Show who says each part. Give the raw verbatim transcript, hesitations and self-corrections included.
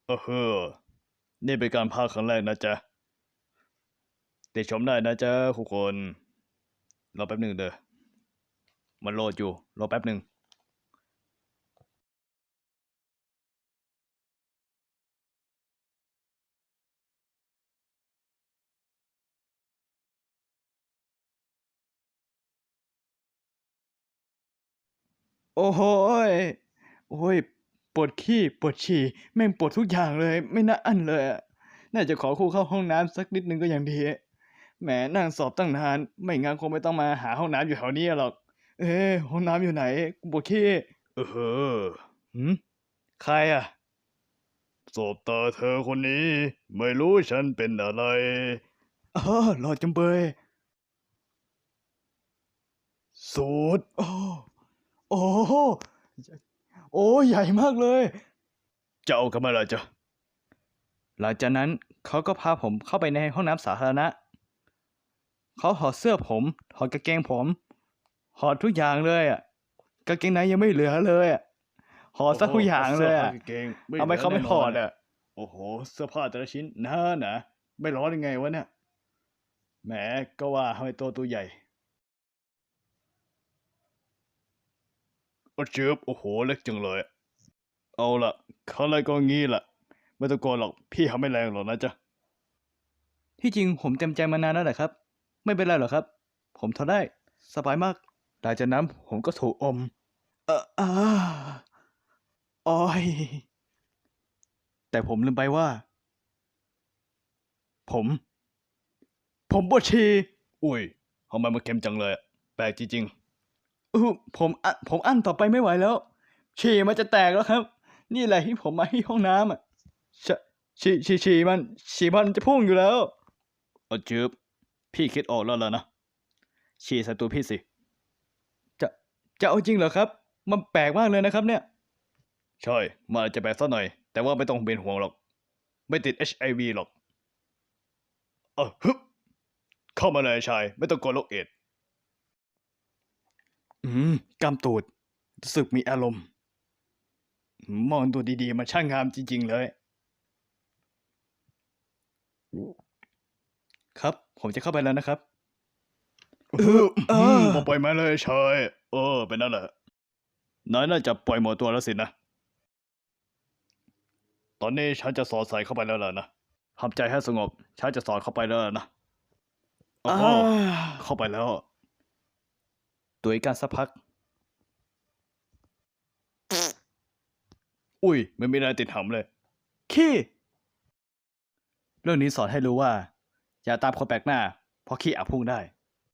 Speaker 1: เออเฮ้อนี่เป็นการพากย์ครั้งแรกนะจ๊ะติดชมได้นะจ๊ะทุกคนรอแป๊บหนึ่งเด้อมันโหลดอยู่รอแป๊บหนึ่งโอ้โหยโอ้ยปวดขี้ปวดฉี่แม่งปวดทุกอย่างเลยไม่น่าอั้นเลยอะน่าจะขอครูเข้าห้องน้ำสักนิดนึงก็ยังดีแหมนั่งสอบตั้งนานไม่งั้นคงไม่ต้องมาหาห้องน้ำอยู่แถวนี้หรอกเอ๊ะห้องน้ำอยู่ไหนกูปวดขี้เออเฮ้อหืมใครอะสบตาเธอคนนี้ไม่รู้ฉันเป็นอะไรเออหลอดจำเบยสูดโอ้โอ้โหโอ้ใหญ่มากเลยจะเอากันมาละจ๊ะหลังจากนั้นเขาก็พาผมเข้าไปในห้องน้ำสาธารณะเขาถอดเสื้อผมถอดกางเกงผมถอดทุกอย่างเลยอ่ะกางเกงในยังไม่เหลือเลยอ่ะถอดซะทุกอย่างเลยอ่ะทำไมเขาไม่ถอดอ่ะโอ้โหเสื้อผ้าแต่ละชิ้นหนาหนาไม่ร้อนยังไงวะเนี่ยแหมก็ว่าทำไมตัวตัวใหญ่โอ้เจ็บโอ้โหเล็กจังเลยเอาล่ะเขาอะไรก็งี้ล่ะไม่ต้องกลัวหรอกพี่ทำไม่แรงหรอกนะจ๊ะที่จริงผมเต็มใจมานานแล้วแหละครับไม่เป็นไรหรอกครับผมทนได้สบายมากหลังจากนั้นผมก็ถูกอมเอออ่าโอ้ยแต่ผมลืมไปว่า ผม ผมปวดฉี่อุ้ยทำไมมันเค็มจังเลยอะแปลกจริงๆอือผมอ่ะผมอั้นต่อไปไม่ไหวแล้ว ฉี่มันจะแตกแล้วครับ นี่แหละที่ผมมาที่ห้องน้ำอ่ะชฉี่ฉี่ฉี่มันฉี่มันจะพุ่งอยู่แล้วเออจืบพี่คิดออกแล้วล่ะนะ ฉี่ใส่ตัวพี่สิ จะ จะเอาจริงเหรอครับ มันแปลกมากเลยนะครับเนี่ย ใช่มันอาจจะแปลกสักหน่อย แต่ว่าไม่ต้องเป็นห่วงหรอก ไม่ติด เอช ไอ วี หรอกเออฮึบเข้ามาเลยชาย ไม่ต้องกลัวโรคเอดส์อืมกำตูดรู้สึกมีอารมณ์ มองตัวดีๆมันช่างงามจริงๆเลย ครับ ผมจะเข้าไปแล้วนะครับเออเออบอกปล่อยมาเลยชายเออเป็นนั่นแหละนายน่าจะปล่อยหมดตัวแล้วสินะ ตอนนี้ฉันจะสอดใส่เข้าไปแล้วล่ะนะทำใจให้สงบ ฉันจะสอดเข้าไปแล้วล่ะนะโอ้โหเข้าไปแล้วตัวอีกการสักพัก อุ้ยไม่มีอะไรติดหำเลย ขี้ เรื่องนี้สอนให้รู้ว่า อย่าตามคนแปลกหน้า เพราะขี้อาจพุ่งได้